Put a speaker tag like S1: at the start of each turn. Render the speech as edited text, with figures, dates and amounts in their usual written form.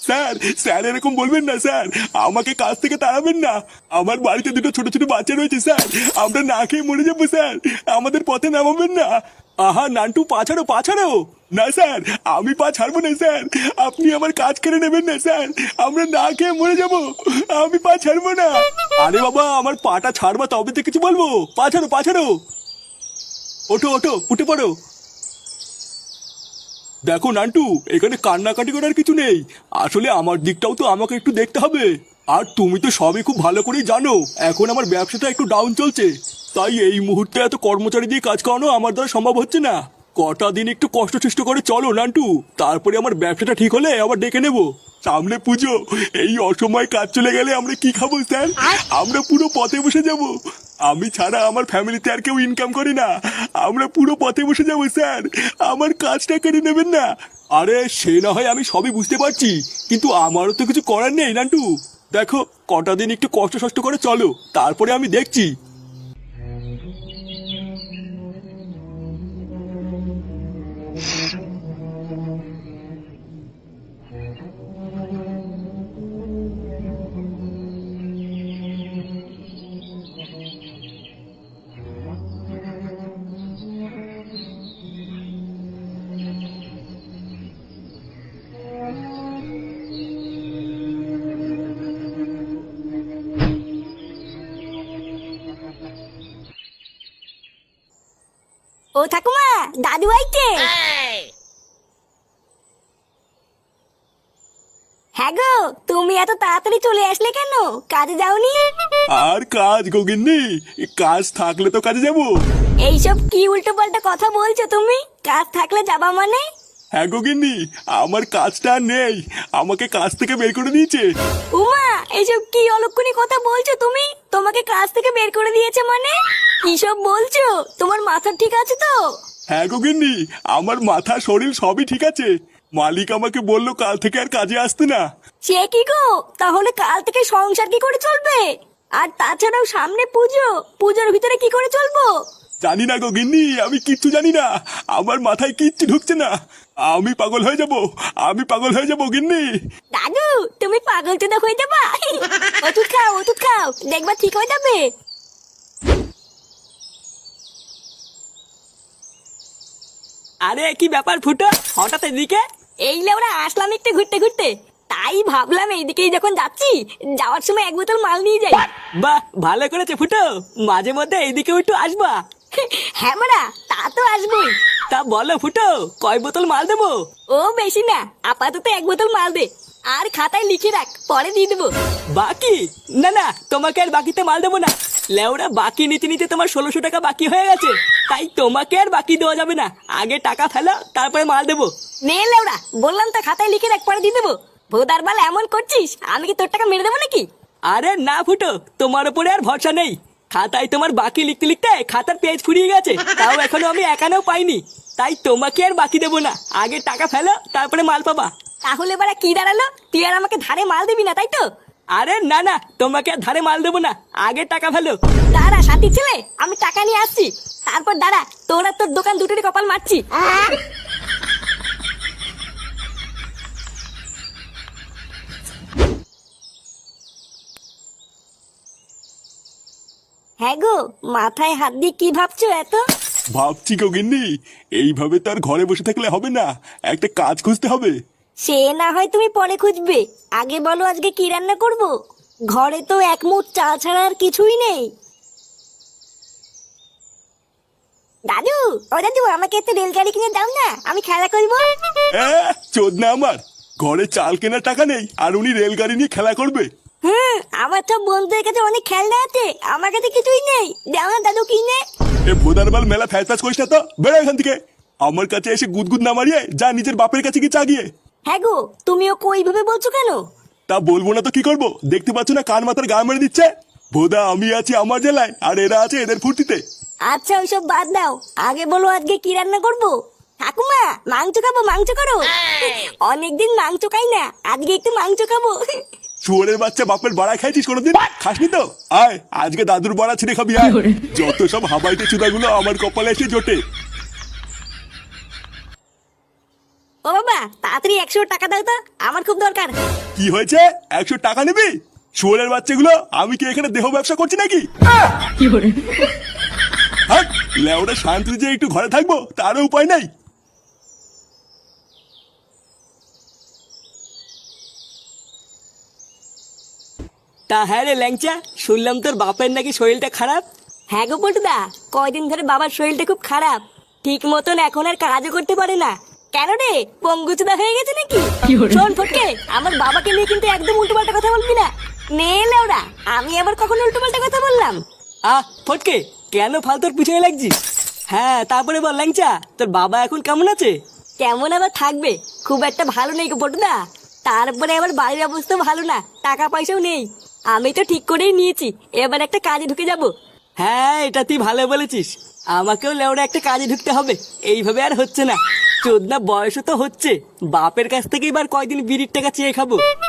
S1: Sir, sir এরকম বলবেন না স্যার, আমাকে কাজ থেকে তাড়াবেন না। আমার বাড়িতে দুটো ছোট ছোট বাচ্চা রয়েছে স্যার, আমরা না খেয়ে মরে যাবো স্যার, আমাদের পথে নামাবেন না। আহা নান্টু, পা ছাড়ো পা ছাড়ো। না স্যার, আমি পা ছাড়বো না স্যার, আপনি আমার কাজ কেড়ে নেবেন না স্যার, আমরা না খেয়ে মরে যাবো, আমি পা ছাড়বো না। আরে বাবা, আমার পাটা ছাড়বা তবে তো কিছু বলবো। পা ছাড়ো পা ছাড়ো। ওঠো ওঠো, উঠে পড়ো। দেখো নান্টু, এখানে কান্নাকাটি করার কিছু নেই, আসলে আমার দিকটাও তো আমাকে একটু দেখতে হবে। আর তুমি তো সবই খুব ভালো করেই জানো এখন আমার ব্যবসাটা একটু ডাউন চলছে, তাই এই মুহূর্তে এত কর্মচারী দিয়ে কাজ করানো আমার দ্বারা সম্ভব হচ্ছে না। কটা দিন একটু কষ্ট সৃষ্ট করে চলো নান্টু, তারপরে আমার ব্যবসাটা ঠিক হলে আবার ডেকে নেবো। সামনে পুজো, এই অসময়ে কাজ চলে গেলে আমরা কি খাবো স্যার? আমরা পুরো পথে বসে যাব। আমি ছাড়া আমার ফ্যামিলিতে আর কেউ ইনকাম করে না, আমরা পুরো পথে বসে যাবো স্যার, আমার কাজটা কেড়ে নেবেন না। আরে সে না হয় আমি সবই বুঝতে পারছি, কিন্তু আমারও তো কিছু করার নেই নান্টু। দেখো, কটা দিন একটু কষ্ট সষ্ট করে চলো, তারপরে আমি দেখছি।
S2: ও ঠাকুমা, দাদু আইছে। হ্যাঁ গো, তুমি এত তাড়াতাড়ি চলে আসলে কেন? কাজে যাওনি?
S1: আর কাজ গগিন্নি, কাজ থাকলে তো কাজে যাবো।
S2: এইসব কি উল্টো পাল্টা কথা বলছো তুমি? কাজ থাকলে যাবা মানে?
S1: হ্যাঁ গগিন্নি, আমার কাজটা আর নেই, আমাকে কাজ থেকে বের করে দিয়েছে।
S2: উমা, এইসব কি অলক্ষণী কথা বলছো তুমি? তোমাকে কাজ থেকে বের করে দিয়েছে মানে? কি সব বলছো? তোমার মাথা ঠিক আছে তো?
S1: হ্যাঁ গগিন্নি, আমার মাথা শরীর সবই ঠিক আছে, মালিক আমাকে বললো কাল থেকে আর কাজে আসতে না।
S2: সে কি গো, তাহলে কাল থেকে সংসার কি করে চলবে? আর তাছাড়াও সামনে পুজো, পুজোর ভিতরে কি করে চলবো?
S1: জানি না গগিন্নি, আমি কিচ্ছু জানি না, আমার মাথায় কিচ্ছু ঢুকছে না, আমি পাগল হয়ে যাব, আমি পাগল হয়ে যাবো গিন্নি।
S2: দাদু, তুমি পাগল চোদা হয়ে যাবা। ওষুধ খাও, ওষুধ খাও, দেখবা ঠিক হয়ে যাবে।
S3: আরে কি ব্যাপার ফুটো, হঠাৎ এদিকে?
S2: এই লেওরা আসলাম একটু ঘুরতে ঘুরতে, তাই ভাবলাম এইদিকেই যখন যাচ্ছি, যাওয়ার সময় এক বোতল মাল নিয়ে যাই।
S3: বাহ, ভালো করেছে ফুটো, মাঝে মধ্যে এইদিকেও একটু আসবা।
S2: হ্যাঁ মারা, তা তো আসবোই।
S3: তা বলো ফুটো, কয় বোতল মাল দেবো?
S2: ও বেশি না, আপাতত এক বোতল মাল দে, আর খাতায় লিখে রাখ, পরে দিয়ে দেবো।
S3: বাকি? না না, তোমাকে আর বাকিতে মাল দেবো না। লেওরা, বাকি নিতে নিতে তোমার 1600 টাকা বাকি হয়ে গেছে, তাই তোমাকে আর বাকি দেওয়া যাবে না, আগে টাকা ফেলো তারপরে মাল দেবো।
S2: নে লেওরা, বললাম তো খাতায় লিখে রাখ, পরে দিয়ে দেবো। ভোদার বাল এমন করছিস, আমি কি তোর টাকা মেরে দেবো নাকি?
S3: আরে না ফুটো, তোমার উপরে আর ভরসা নেই, খাতায় তোমার বাকি লিখতে লিখতে খাতার পেজ ফুরিয়ে গেছে, তাও এখনো আমি একানেও পাইনি, তাই তোমাকে আর বাকি দেবো না, আগে টাকা ফেলো তারপরে মাল পাবা।
S2: তাহলে বারা কি দাঁড়ালো, তুই আর আমাকে ধারে মাল দিবি না, তাই তো?
S3: আরে না না, তোমাকে আর ধারে মাল দেবো না, আগে টাকা ফেলো।
S2: দাঁড়া সাথী ছেলে, আমি টাকা নিয়ে আসছি, তারপর দাঁড়া, তোরা তোর দোকান দুটোরই কপাল মারছি। হ্যাঁ গো, মাথায় হাত দিয়ে কি ভাবছো এত?
S1: ভাবছি গগিন্নি, এইভাবে তো আর ঘরে বসে থাকলে হবে না, একটা কাজ খুঁজতে হবে।
S2: সে না হয় তুমি পরে খুঁজবে, আগে বলো আজকে কি রান্না করব? ঘরে তো এক মুঠ চাল ছাড়া আর কিছুই নেই। দাদু, ও দাদু, আমাকে একটু রেলগাড়ি কিনে দাও না, আমি খেলা করবো।
S1: চোদনা আমার, ঘরে চাল কেনার টাকা নেই আর উনি রেলগাড়ি নিয়ে খেলা করবে?
S2: আমার সব বন্ধুদের কাছে অনেক খেলনা আছে, আমার কাছে কিছুই নেই, দাও না দাদু কিনে।
S1: এ ভোদারবাল মেলা ফ্যাচ ফ্যাচ করিস না তো, বেরো এখান থেকে, আমার কাছে এসে গুদগুদ না মারিয়ে যা নিজের বাপের কাছে কি চাগিয়ে।
S2: হ্যাঁ গো, তুমিও কই ভাবে বলছো কেন?
S1: তা বলবো না তো কি করবো, দেখতে পাচ্ছ না কান মাথার গা মেরে দিচ্ছে। ভোদা আমি আছি আমার জেলায় আর এরা আছে এদের ফুর্তিতে।
S2: আচ্ছা ওইসব বাদ দাও, আগে বলো আজকে কি রান্না করবো? ঠাকুমা, মাংস খাবো, মাংস করো। অনেকদিন মাংস খাই না, আজকে একটু মাংস খাবো।
S1: শুয়োরের বাচ্চা, বাপের বাড়া খাইছিস কোনোদিন? খাসনি তো, আয় আজকে দাদুর বাড়া ছিঁড়ে খাবি আয়। যত সব হাবাইতে চুদাগুলো আমার কপালে এসে জোটে।
S2: ও ও বাবা তাড়াতাড়ি 100 টাকা দাও তো, আমার খুব দরকার।
S1: কি হয়েছে? 100 টাকা নিবি? শুয়োরের বাচ্চাগুলো, আমি কি এখানে দেহ ব্যবসা করছি নাকি? হাট, লেওরা শান্তি যে একটু ঘরে থাকবো তারও উপায় নাই।
S3: তা হ্যাঁ রে ল্যাংচা, শুনলাম তোর বাপের নাকি শরীরটা খারাপ।
S2: হ্যাঁ গো পল্টুদা, কয়দিন ধরে বাবার শরীরটা খুব খারাপ, ঠিক মতন এখন আর কাজও করতে পারে না। কেন রে, পঙ্গুচুদা হয়ে গেছে নাকি? শোন ফটকে, আমার বাবাকে নিয়ে কিন্তু একদম উল্টোপাল্টা কথা বলবি না। নে লেওড়া, আমি আবার কখন উল্টোপাল্টা কথা বললাম?
S3: ফটকে, কেন ফালতুর পিছনে লাগছিস? হ্যাঁ তারপরে বল ল্যাংচা, তোর বাবা এখন কেমন আছে?
S2: কেমন আবার থাকবে, খুব একটা ভালো নেই গো পটুদা। তারপরে আবার বাড়ির অবস্থা ভালো না, টাকা পয়সাও নেই। আমি তো ঠিক করেই নিয়েছি, এবার একটা কাজে ঢুকে যাব।
S3: হ্যাঁ এটা তুই ভালো বলেছিস, আমাকেও লেওড়া একটা কাজে ঢুকতে হবে, এইভাবে আর হচ্ছে না। চোদনা বয়সও তো হচ্ছে, বাপের কাছ থেকে এবার কয়দিন বিড়ির টাকা চেয়ে খাবো।